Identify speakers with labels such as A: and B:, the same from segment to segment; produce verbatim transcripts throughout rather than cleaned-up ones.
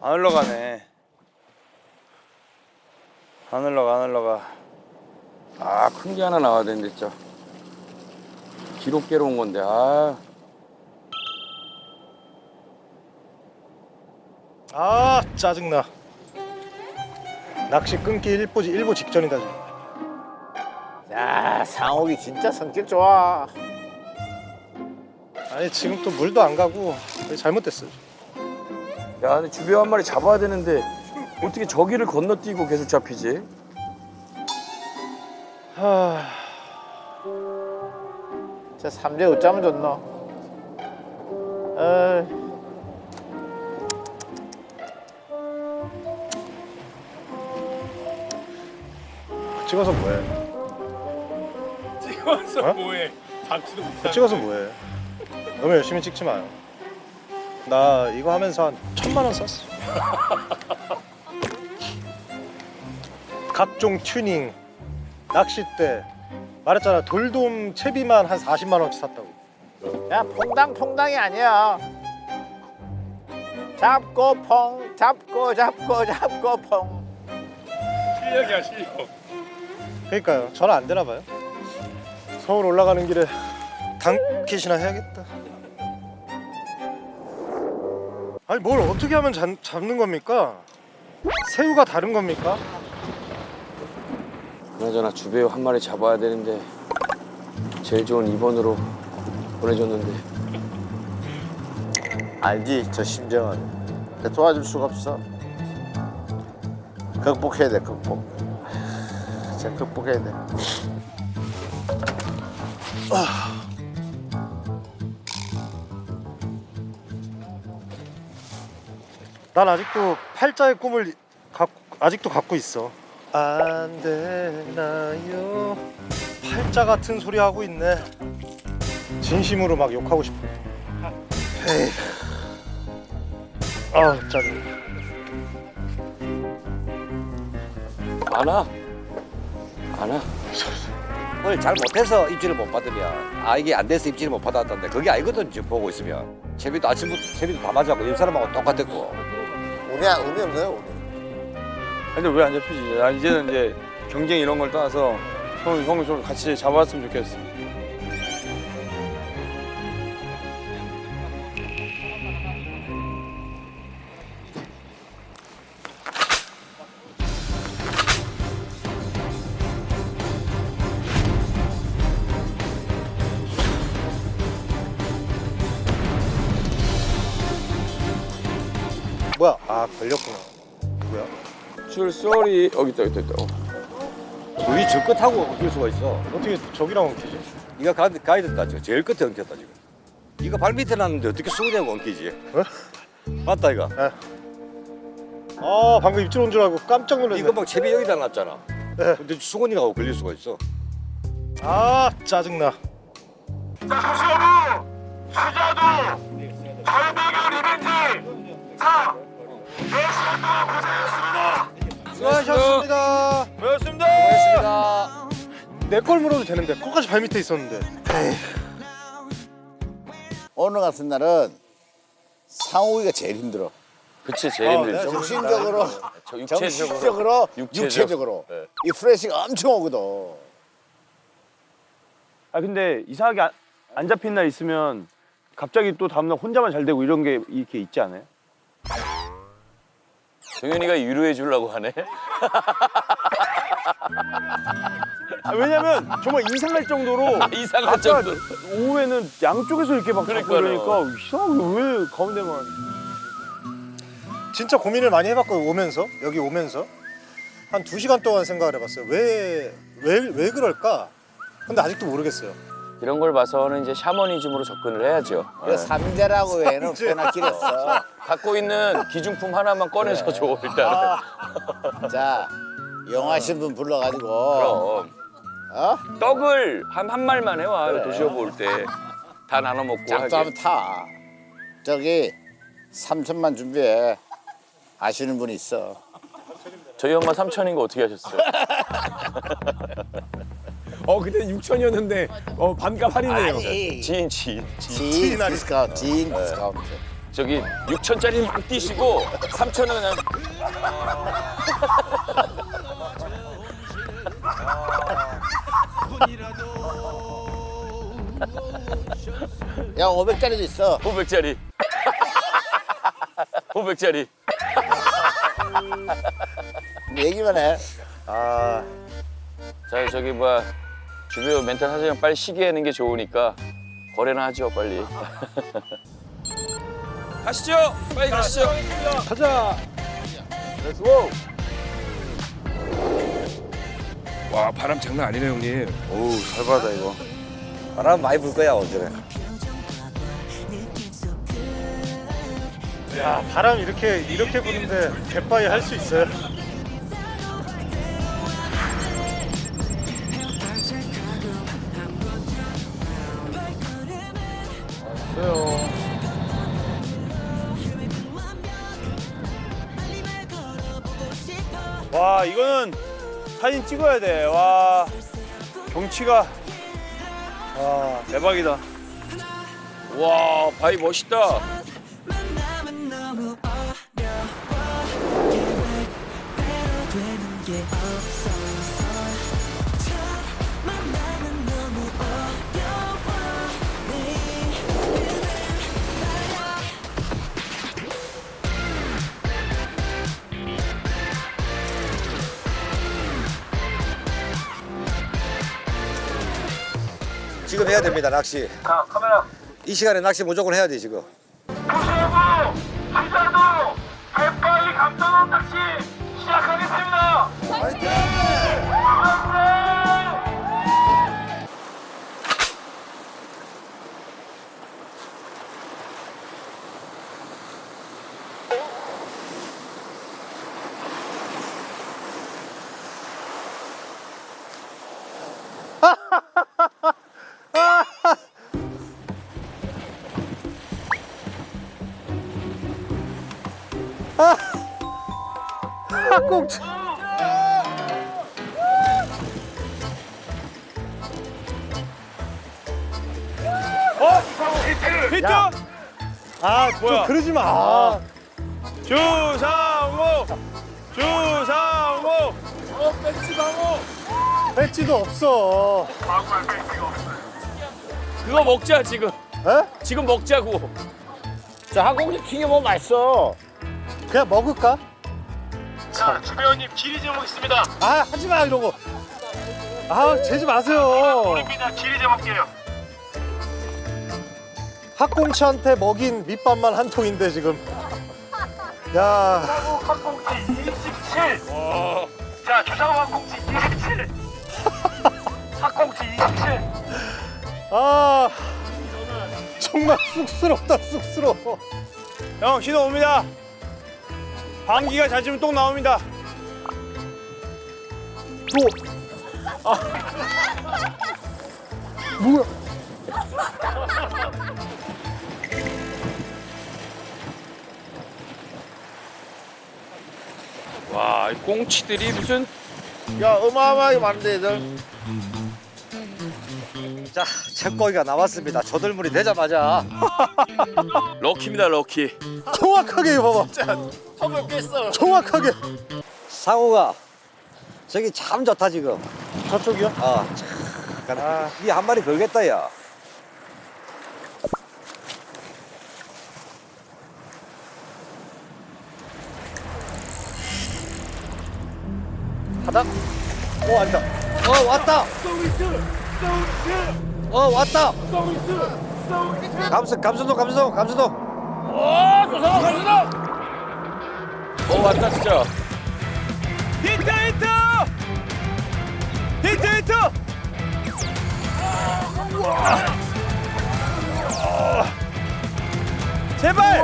A: 안 흘러가네. 안 흘러가, 안 흘러가.
B: 아, 큰 게 하나 나와야 되는데 진짜. 기록 깨러 온 건데. 아.
C: 아 짜증나. 낚시 끊기 일부 일부 직전이다 지금.
D: 야, 상욱이 진짜 성격 좋아.
C: 아니 지금 또 물도 안 가고 잘못됐어.
B: 야, 근데 주변 한 마리 잡아야 되는데 어떻게 저기를 건너뛰고 계속 잡히지?
C: 하...
D: 저 삼재 어쩌면 좋노? 어...
C: 찍어서 뭐해?
A: 찍어서
C: 어?
A: 뭐해? 잡지도 못하고.
C: 찍어서 뭐해? 너무 열심히 찍지 마요. 나 이거 하면서 한 천만 원 썼어. 각종 튜닝, 낚싯대. 말했잖아 돌돔 채비만 한 사십만 원치 샀다고.
D: 야, 퐁당 퐁당이 아니야. 잡고 퐁, 잡고 잡고 잡고 퐁.
A: 실력이야, 실력.
C: 그러니까요. 전화 안 되나 봐요. 서울 올라가는 길에 당킷이나 해야겠다. 아니 뭘 어떻게 하면 잡, 잡는 겁니까? 새우가 다른 겁니까?
B: 그나저나 주배우 한 마리 잡아야 되는데 제일 좋은 이 번으로 보내줬는데.
D: 알지, 저 심정은. 근데 도와줄 수가 없어. 극복해야 돼, 극복. 진짜 극복해야 돼.
C: 난 아직도 팔자의 꿈을 갖고, 아직도 갖고 있어. 안 되나요? 팔자 같은 소리 하고 있네. 진심으로 막 욕하고 싶어. 에이. 아 짜증.
B: 안 와? 안 와?
E: 오늘 잘 못해서 입질을 못 받으면 아 이게 안 돼서 입질을 못 받았던데 그게 아니거든. 지금 보고 있으면 채비도 아침부터 채비도 다 맞았고 옆 사람하고 똑같았고.
D: 운이, 안- 운이 없네요, 운이.
A: 근데 왜 안 잡히지? 나 이제는 이제 경쟁 이런 걸 떠나서 형, 형을 좀 같이 잡아왔으면 좋겠어.
C: 뭐야? 아 걸렸구나. 누구야?
B: 줄 쏘리. 여기 있다, 여기 있다. 어.
E: 우리 저 끝하고 엉킬 수가 있어.
C: 어떻게 저기랑 엉키지?
E: 네가 가, 가야 된다. 지금 제일 끝에 엉켰다 지금. 네가 발 밑에 놨는데 어떻게 수그대고 엉키지?
C: 어?
E: 맞다 이거.
C: 아 방금 입질 온 줄 알고 깜짝 놀랐네.
E: 이거 막 채비 여기다 놨잖아.
C: 네.
E: 근데 수건이가 하고 걸릴 수가 있어.
C: 아 짜증나. 수고하셨습니다.
A: 고맙습니다.
E: 고맙습니다.
C: 내 걸 물어도 되는데 거기까지 발 밑에 있었는데. 에이.
D: 오늘 같은 날은 상욱이가 제일 힘들어.
B: 그치, 제일
C: 어,
B: 힘들죠.
C: 내가
D: 정신적으로,
B: 저 육체적으로.
D: 정신적으로,
B: 육체적.
D: 육체적으로.
B: 네.
D: 이 프레시가 엄청 오거든.
A: 아 근데 이상하게 안, 안 잡힌 날 있으면 갑자기 또 다음날 혼자만 잘 되고 이런 게 이렇게 있지 않아요?
B: 동현이가 위로해 주려고 하네.
A: 아, 왜냐면 정말 이상할 정도로
B: 이상할
A: 아까
B: 정도.
A: 오후에는 양쪽에서 이렇게 막 잡고
B: 그러니까요.
A: 그러니까 이상하게 왜 가운데만.
C: 진짜 고민을 많이 해봤거든. 오면서 여기 오면서 한 두 시간 동안 생각을 해봤어요. 왜 왜 왜 그럴까? 근데 아직도 모르겠어요.
B: 이런 걸 봐서는 이제 샤머니즘으로 접근을 해야죠.
D: 그 삼재라고 외에는
C: 삼재.
D: 꽤나 길었어.
B: 갖고 있는 기중품 하나만 꺼내서 줘, 일단.
D: 자, 영화신 분 불러가지고.
B: 그럼.
D: 어?
B: 떡을 한, 한 말만 해와,
D: 그래.
B: 도시어부 올 때. 다 나눠 먹고
D: 짝도
B: 하게.
D: 한번 타. 저기 삼천만 준비해. 아시는 분이 있어.
B: 저희 엄마 삼천인 거 어떻게 하셨어요?
F: 어 근데 육천이었는데 어 반값 할인이에요.
D: 아니,
B: 지인, 지인.
D: 지인 디스카운트, 지인 디스카운트.
B: 저기 육천짜리 막 뛰시고 삼천은 그냥
D: 야 오백짜리도 있어.
B: 오백짜리. 오백짜리.
D: 얘기만 해.
C: 아,
B: 자 저기 뭐야 주변 멘탈 사정 빨리 쉬게 하는 게 좋으니까 거래나 하죠 빨리. 가시죠. 빨리 가시죠.
C: 가자.
B: 와 바람 장난 아니네 형님.
A: 어우 살벌하다 이거.
E: 바람 많이 불 거야 오전에.
C: 야, 바람 이렇게 이렇게 부는데 갯바위 할 수 있어요?
A: 와 이거는 사진 찍어야 돼. 와 경치가 와 대박이다.
B: 와 바위 멋있다.
E: 지금 해야 됩니다 낚시.
F: 자, 카메라.
E: 이 시간에 낚시 무조건 해야 돼 지금.
F: 부시하고 기자도 갯바위 감전원 낚시 시작하겠습니다. 화이팅!
C: 꽁치.
A: 히트!
C: 아, 좀
A: 뭐야?
C: 그러지 마. 아,
A: 주상호! 주상호!
C: 배지도 없어.
B: 그거 먹자 지금.
C: 에?
B: 지금 먹자고.
D: 자 항공기 튀겨먹으면 맛있어.
C: 그냥 먹을까?
F: 자, 주배우님 길이 제목 있습니다.
C: 아, 하지 마 이런 거. 아, 재지 마세요.
F: 우리입니다. 길이 제목이에요.
C: 학꽁치한테 먹인 밑밥만 한 통인데 지금. 야,
F: 주상호 항공치 이십칠. 자, 주상호 항공치 이십칠. 항공치 이십칠.
C: 아, 정말 쑥스럽다 쑥스러워.
A: 형 신호 옵니다. 방귀가 잦으면 똥 나옵니다.
C: 뭐야?
B: 와, 이 꽁치들이 무슨
D: 야 어마어마하게 많은데 얘들.
E: 자, 쳇고기가 나왔습니다. 조들물이 되자마자
B: 럭키입니다, 럭키.
C: 정확하게 봐봐.
D: 턱을 뺐어.
C: 정확하게.
E: 상우가 저기 참 좋다 지금.
C: 저쪽이요?
E: 아, 참. 이한 마리 걸겠다 야.
C: 바닥? 어, 아니다.
E: 어 왔다. 어 왔다. 감수 감수동 감수동 감수동.
B: 어, 조상아, 가시다. 어, 왔다 진짜.
A: 히트 히트! 히트 히트! 제발!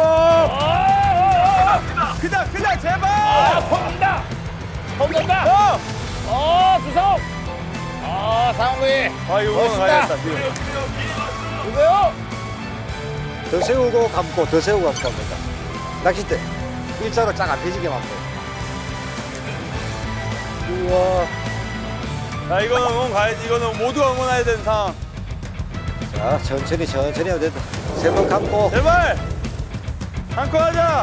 A: 크다 크다 제발!
B: 펑간다. 펑간다.
A: 어!
B: 어, 조상. 아, 상우이.
A: 아 이거 오늘 가야겠다 지금.
B: 누구요?
E: 더 세우고 감고 더 세우고 감고 합니다. 낚싯대 일자로 쫙 안 펴지게 감고.
A: 우와. 야 이거는 응원 가야지. 이거는 모두가 응원해야 되는 상황.
E: 자 천천히 천천히 해도 된다. 세 번 감고
A: 제발! 한코 하자.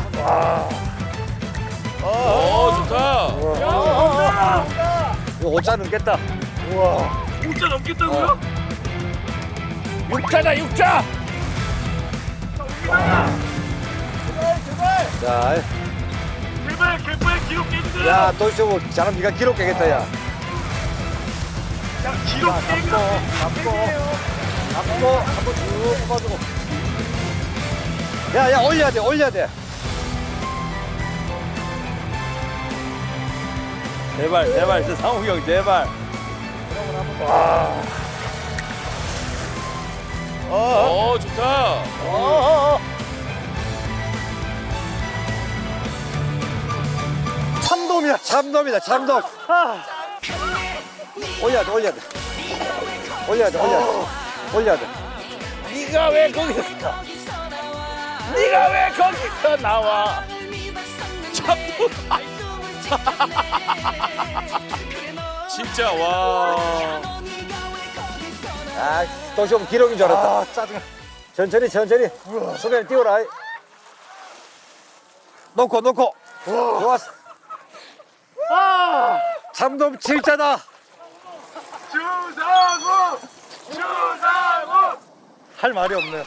B: 오 좋다.
E: 이거 오차 넘겠다.
F: 오자 넘겠다고요?
B: 육자다 육자.
E: 자,
F: 제발 개파의 기록 깨주세요.
E: 야, 도시오 잘하면 네가 기록 깨겠다, 야.
F: 자, 기록 깨고.
E: 앞으로 한번 쭉 뽑아주고. 야, 야, 올려야 돼, 올려야 돼.
A: 제발 제발 저 상욱이 형 제발.
B: 오 좋다.
C: 참돔이야.
E: 참돔이다, 참돔. 올려야 돼, 올려야 돼. 올려야 돼, 올려야 돼. 올려야 돼.
B: 네가 왜 거기서 네가 왜 거기서 나와? 참. 진짜 와.
E: 아, 도시오 기록인 줄 알았다.
C: 아, 짜증나.
E: 천천히, 천천히. 소변 띄워라. 놓고, 놓고. 좋았어. 참돔 칠자다.
F: 주상우! 주상우!
C: 할 말이 없네요.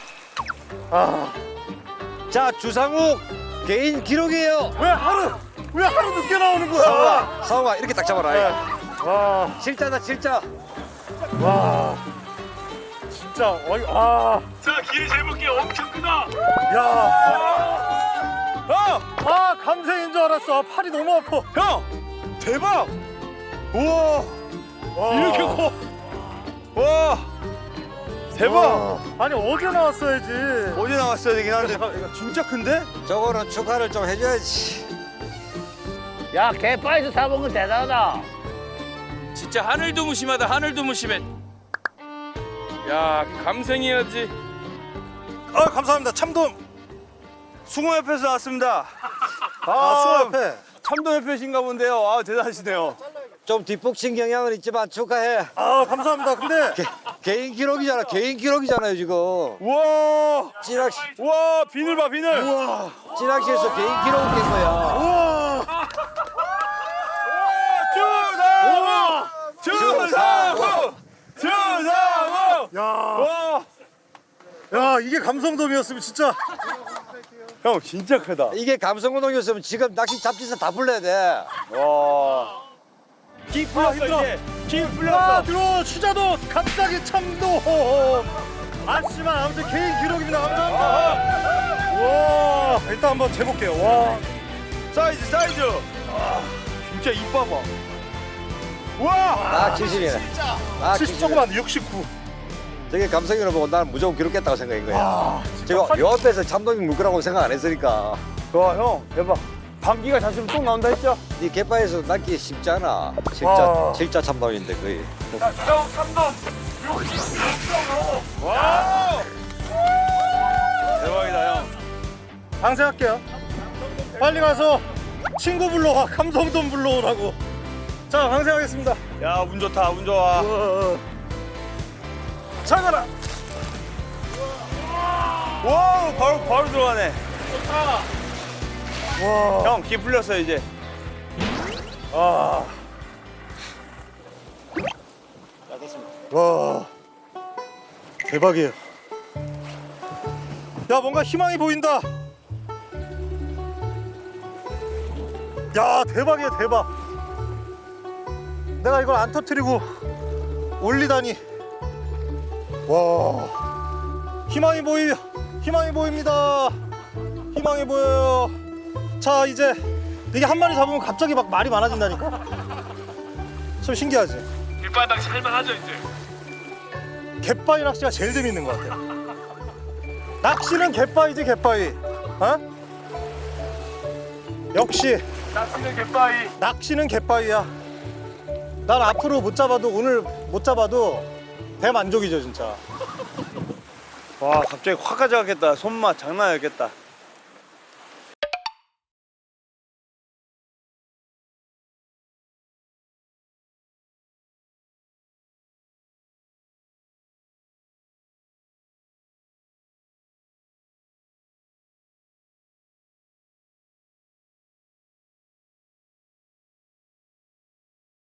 E: 자, 주상욱 개인 기록이에요.
C: 왜 하루 왜 하루 늦게 나오는 거야?
E: 상우아, 상우아 이렇게 딱 잡아라.
C: 와,
E: 칠자다, 칠자.
C: 와, 진짜 어이, 아,
F: 자, 길이 재볼게 엄청 크다.
C: 야,
A: 형!
C: 아 감생인 줄 알았어. 팔이 너무 아파.
A: 형! 대박! 우와!
C: 와.
A: 이렇게 커! 와! 대박!
C: 와. 아니 어제 나왔어야지.
A: 어제 나왔어야 되긴 한데 진짜 큰데?
E: 저거는 축하를 좀 해줘야지.
D: 야, 개파에서 잡은 건 대단하다.
B: 진짜 하늘도 무심하다. 하늘도 무심해. 야 감생해야지.
A: 아 감사합니다 참돔 숭어협회에서 나왔습니다.
C: 아, 수업해.
A: 참돔협회신가 본데요. 아 대단하시네요.
E: 좀 뒷북친 경향은 있지만 축하해.
C: 아, 감사합니다. 근데
E: 개, 개인 기록이잖아. 개인 기록이잖아요 지금.
A: 우와!
E: 찌낚시,
A: 우와 비늘 봐 비늘.
C: 우와,
E: 찌낚시에서 개인 기록을 깬 거야.
C: 우와,
A: 주상우! 주상우! 주상우!
C: 야,
A: 와!
C: 야, 이게 감성돔이었으면 진짜.
A: 형 진짜 크다.
E: 이게 감성운동이었으면 지금 낚시 잡지에서 다 불러야 돼.
A: 와. 기 풀렸어
C: 힘들어.
A: 이제. 기
C: 아,
A: 풀렸어.
C: 들어 취자도 갑자기 참돔. 아시지만 아무튼 개인 기록입니다. 감사합니다. 와, 일단 한번 재볼게요. 와,
A: 사이즈 사이즈. 아, 진짜 입 봐봐. 와!
E: 아, 칠십이네. 아,
C: 칠십 조금 안 돼. 육십구.
E: 저게 감성이로 보고 나는 무조건 기록했다고 생각한 거야.
C: 아,
E: 제가 요 앞에서 참돔이 물 거라고 생각 안 했으니까.
A: 와, 형 대박. 방귀가 잤으면 똥 나온다 했죠?
E: 이 갯바에서 낚기 쉽지 않아. 칠자,
C: 와.
E: 칠자 참돔인데 거의.
F: 자, 주상우 삼동
A: 와! 대박이다, 형.
C: 방생할게요. 빨리 가서 친구 불러와. 감성돔 불러오라고. 자, 방생하겠습니다.
A: 야, 운 좋다. 운 좋아.
C: 잘 가라.
A: 와, 바로 바로 들어가네.
C: 와,
A: 형, 기 풀렸어 이제.
C: 아, 와, 대박이에요. 야, 뭔가 희망이 보인다. 야, 대박이야, 대박. 내가 이걸 안 터뜨리고 올리다니. 와, 희망이 보이, 희망이 보입니다. 희망이 보여요. 자, 이제 이게 한 마리 잡으면 갑자기 막 말이 많아진다니까. 참 신기하지.
F: 뒷발 낚시 할만하죠 이제.
C: 갯바위 낚시가 제일 재밌는 것 같아. 낚시는 갯바위지, 갯바위. 어? 역시
F: 낚시는 갯바위.
C: 낚시는 갯바위야. 난 앞으로 못 잡아도, 오늘 못 잡아도 대만족이죠 진짜.
A: 와, 갑자기 확 가져가겠다. 손맛 장난 아니겠다.